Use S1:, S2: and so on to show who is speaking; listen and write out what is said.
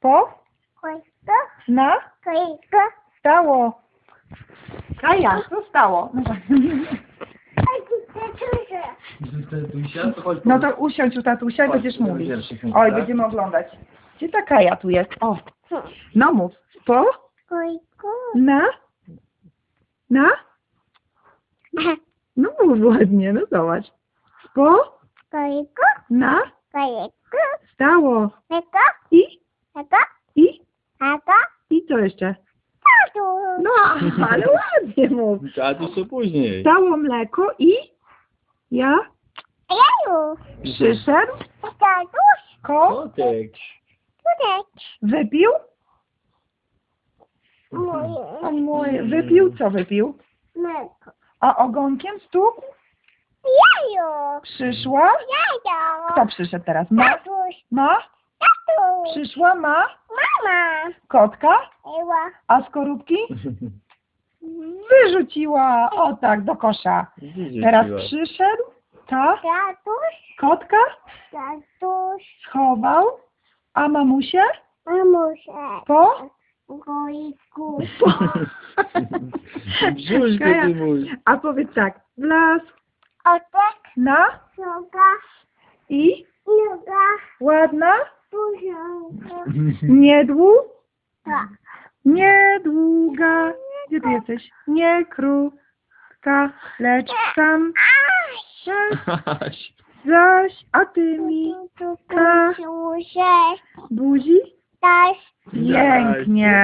S1: Po?
S2: Kojko.
S1: Na?
S2: Kojko.
S1: Stało. Kaja, co stało?
S2: Ej, ty czuję.
S1: No to usiądź u tatusia i będziesz mówić. Oj, będziemy oglądać. Gdzie ta Kaja tu jest? O, no mów. Po?
S2: Kojko.
S1: Na? Na? No mów ładnie, no zobacz. Po?
S2: Kojko.
S1: Na?
S2: Kojko.
S1: Stało.
S2: Kojko.
S1: I?
S2: Kojko.
S1: I?
S2: Kojko.
S1: I co jeszcze?
S2: Tatu.
S1: No, ale ładnie mów.
S3: Tatuś to później.
S1: Stało mleko i? Ja?
S2: Jeju.
S1: Przyszedł?
S2: Tatuś.
S3: Kotek.
S2: Tudek.
S1: Wypił?
S2: Moje.
S1: O mój, wypił? Co wypił?
S2: Mleko.
S1: A ogonkiem stukł?
S2: Jeju.
S1: Przyszła?
S2: Jeju.
S1: Kto przyszedł teraz? Ma?
S2: Tatuś.
S1: Ma?
S2: Tatuś.
S1: Przyszła? Ma?
S2: Mama.
S1: Kotka?
S2: Ewa.
S1: A skorupki? Wyrzuciła. O tak, do kosza. Teraz przyszedł? Ta?
S2: Tatuś.
S1: Kotka?
S2: Tatuś.
S1: Schował? A mamusie?
S2: Mamusia.
S1: Po?
S2: Gojku.
S3: Brzuszko
S1: Kaja,
S3: ty mój.
S1: a powiedz tak. W las,
S2: Otek.
S1: na
S2: Noga.
S1: i
S2: Noga.
S1: ładna,
S2: Puszonka.
S1: niedługa,
S2: Tak.
S1: gdzie ty jesteś? Nie krótka, lecz sam zaś, a ty mi
S2: Tu, tu, tu, tu,
S1: buzi?
S2: Też.
S1: Pięknie.